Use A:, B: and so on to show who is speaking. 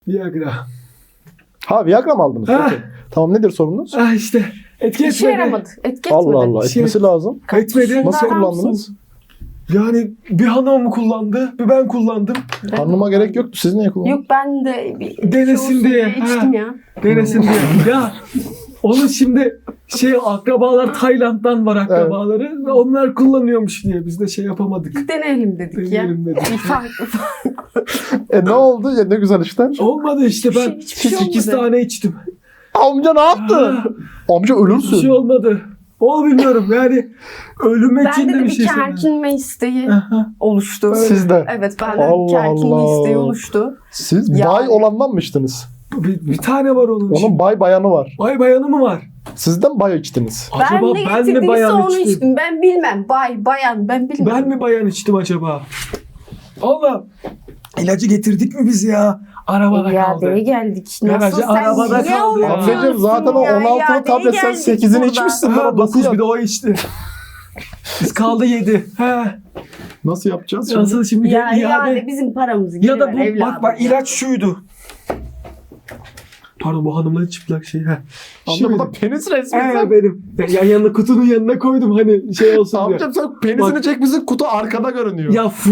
A: Viagra.
B: Ha Viagra mı aldınız?
A: Ha.
B: Peki. Tamam nedir sorunuz?
A: Ah işte. Etki
C: İşe
A: etmedi.
C: yaramadı. Etki
B: Allah
C: etmedi.
B: Allah
A: Şey-
B: etmesi lazım.
A: Etmedi.
B: Nasıl
C: Arar
B: kullandınız?
C: mısın?
A: Yani bir hanım kullandı, bir ben kullandım.
B: Hanıma gerek yoktu. Siz niye kullandınız?
C: Yok ben de bir
A: Denesin
C: şey olsun
A: diye.
C: içtim ya.
A: Denesin diye. Ya onun şimdi akrabalar Tayland'dan var akrabaları ve onlar kullanıyormuş diye biz de şey yapamadık.
C: Deneyelim dedik
A: Deneyelim
C: ya.
A: dedik.
C: Bir fark.
B: Ne oldu? Ya ne güzel işler.
A: Olmadı işte ben
C: Hiçbir şey
A: 8
C: olmadı.
A: tane içtim.
B: Amca ne yaptı?
A: Ha,
B: Amca
A: bir
B: ölürsün.
A: şey olmadı. O bilmiyorum yani ölüme için
C: Bende
A: de
C: de
A: bir
C: bir
A: şey söyledi.
C: kerkinme isteği
A: Aha.
C: oluştu.
B: Sizde.
C: Evet bende
B: Allah
C: kerkinme
B: Allah.
C: isteği oluştu.
B: Siz
C: Yani.
B: bay olandan mı içtiniz?
A: Bir tane var onun için.
B: Onun bay bayanı var.
A: Bay bayanı mı var?
B: Sizden bay içtiniz.
A: Acaba
C: ben ne
A: ben mi
C: getirdiyse
A: bayan
C: onu
A: içtim?
C: içtim. Ben bilmem. Bayan ben bilmem.
A: Ben mi bayan içtim acaba? Allah. İlacı getirdik mi biz ya? Arabada kaldı.
C: İadeye geldik.
A: Garajı
C: Nasıl sen
A: arabada
C: niye
A: kaldı ya.
C: unutuyorsun
B: Amcacığım zaten o
C: ya?
B: 16'lı
C: İadeye
B: tablet sen
C: geldik
B: 8'ini
C: burada.
B: içmişsin.
A: Ha,
B: Nasıl
A: 9 bir de o içti. Biz kaldı 7. He.
B: Nasıl yapacağız şimdi?
A: Nasıl şimdi
C: Ya
A: iade?
C: iade bizim paramızı geri
A: Ya da
C: ver
A: bu
C: evladım
A: bak
C: ya.
A: ilaç şuydu. Pardon bu hanımların çıplak şey. He.
B: Amca bu da penis resmi.
A: Benim. Yan yanına kutunun yanına koydum hani şey olsun diye.
B: Amcam sen penisini
A: Bak.
B: çekmişsin kutu arkada görünüyor.
A: Ya